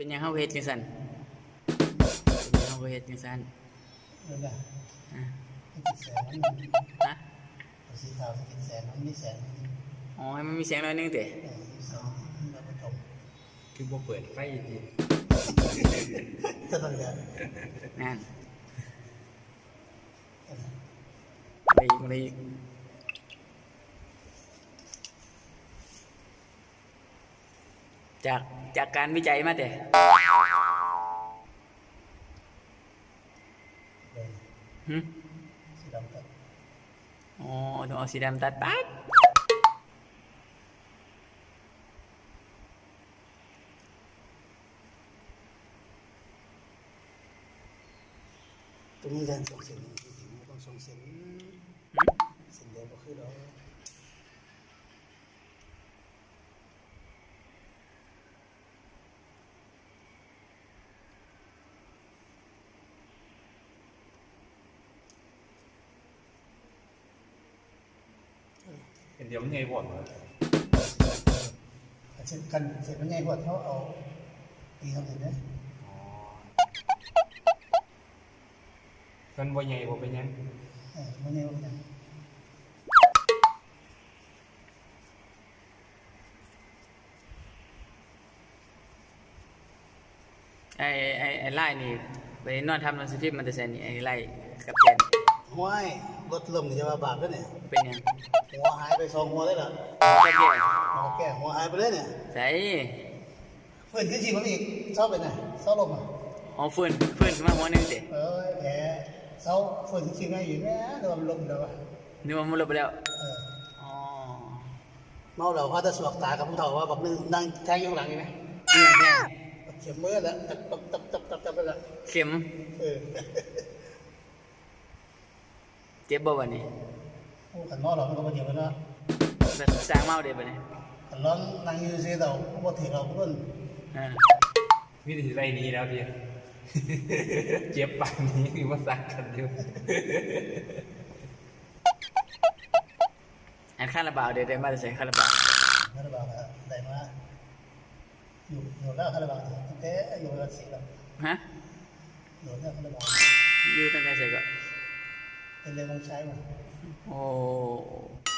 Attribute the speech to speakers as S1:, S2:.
S1: เป็นยังเฮาเฮ็ดจังซั่นเป็นยังเฮาเฮ็ดจังซั่น
S2: นั่นแหละ
S1: อ่ะ
S2: ให้ติดแสงมัน
S1: ฮะ
S2: สีขาวติดแสงมันไม่แสง
S1: อ๋อให้มันมีเสียงหน่อยนึงติ
S2: แสงแล้วก็จบ
S3: คือบ่เปิดไฟดิ
S2: จะต้องการ
S1: นั่นอะไรอีกจากการวิจัยมาแต่หึ
S2: สีดำตัด
S1: อ๋อต้องเอาสีดำตัดปั๊บ
S2: ตรงนี้การส่งเสียงต้องส่งเสียงเสียงเดียวก็คือเรา
S3: เดี๋ยวมันไงบ่น
S2: เช่นกันเสร็จมันง่ายกว่าเขาเอาตีเขาเห็นไหม
S3: มันบ่ใหญ่บ่เป็นยัง
S2: มันง่ายกว่าอย่าง
S1: ไอ้ไล่นี่ไปนอนทำหนังสือพิมพ์มันจะใส่นี่ไอ้ไล่กับแกน
S2: ห้วยรถลมนี่จะมาบาปแล้วเนี่ย
S1: เป็นยัง
S2: หัวหายไป2 หัวเลยเหรอแก่หัวหายไปเลยเนี่ย
S1: ใส่
S2: ฝืนขึ้นชีมันอีกเศร้าไปไหนเศร้าลมอ่ะ
S1: อ๋อฟื้นขึ้นมาหัวนึงสิ
S2: แผลเศร้าฝืนขึ้นชีไม่อยู่แม่โดนลมเดี๋ยว
S1: นึกว่ามันลบไปแล้วอ๋อ
S2: เมาเราเขาจะสวกตากับผู้เฒ่าว่าแบบนึงนั่งแทงอยู่หลังนี่ไหม
S1: นี่แค่
S2: เข็มมือแล้วตับไปละ
S1: เข็มเจ็บบ่วันนี้
S2: โอ้ขันเมาเรามันก็มาเจ็บแล้วนะ
S1: แบบสร้างเมาเด็ดไปเนี่ย
S2: ขันร้อนนั่งยืนเสียเราพอถึงเราเพื่อน
S3: วิธีไรนี้แล้วพี่เจ็บปานนี้คือว่าสักกันอยู่
S1: อันข้าระบาดเดี๋ยวได้มาจะใส่ข้าระบาด
S2: ได้มาอยู่แล้วข้าระบาดตั้งแต่อยู่ระดับ10แล้ว
S1: ฮะ
S2: อยู่แล้วข้าระบาด
S1: อยู่ตั้งแต่ใส่ก็
S2: เป็นเรื่องของใช้มา
S1: โอ้